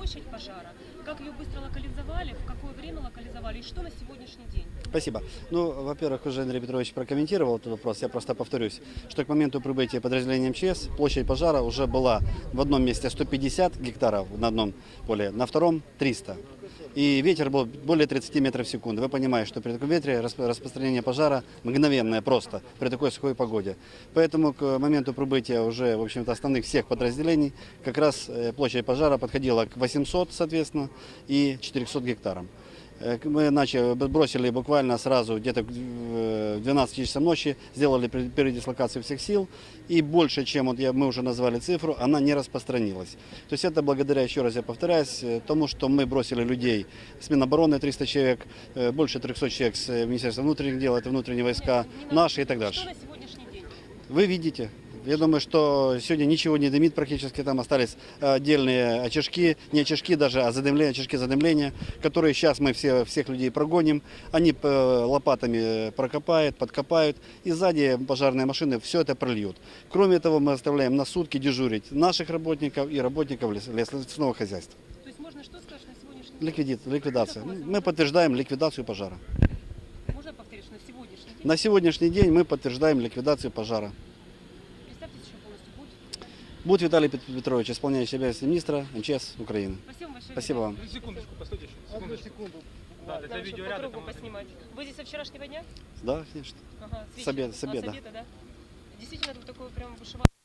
площадь пожара, как ее быстро локализовали, в какое время локализовали и что на сегодняшний день? Спасибо. Ну, во-первых, уже Андрей Петрович прокомментировал этот вопрос. Я просто повторюсь, что к моменту прибытия подразделения МЧС площадь пожара уже была в одном месте 150 гектаров на одном поле, на втором 300. И ветер был более 30 метров в секунду. Вы понимаете, что при таком ветре распространение пожара мгновенное просто при такой сухой погоде. Поэтому к моменту прибытия уже, в общем-то, основных всех подразделений как раз площадь пожара подходила к 800, соответственно, и 400 гектарам. Мы бросили буквально сразу, где-то в 12 часов ночи, сделали передислокацию всех сил, и больше, чем мы уже назвали цифру, она не распространилась. То есть это благодаря, еще раз я повторяюсь, тому, что мы бросили людей с Минобороны 300 человек, больше 300 человек с Министерства внутренних дел, это внутренние войска, наши и так дальше. Что на сегодняшний день? Вы видите. Я думаю, что сегодня ничего не дымит практически, там остались отдельные очажки, не очажки даже, а задымления, очажки задымления, которые сейчас мы всех людей прогоним, они лопатами прокопают, подкопают, и сзади пожарные машины все это прольют. Кроме того, мы оставляем на сутки дежурить наших работников и работников лесного хозяйства. То есть можно что сказать на сегодняшний день? Ликвидация. Мы подтверждаем ликвидацию пожара. Можно повторить, что на сегодняшний день? На сегодняшний день мы подтверждаем ликвидацию пожара. Представьтесь еще полностью, будет. Будет Виталий Петрович, исполняющий обязанности министра МЧС Украины. Спасибо большое. Спасибо вам. Секундочку, постойте еще. Секундочку. Да, для Нам еще видеоряда по кругу там поснимать. Вы здесь со вчерашнего дня? Да, конечно. Ага, С обеда, с обеда, да? Действительно, тут такое прям бушевало.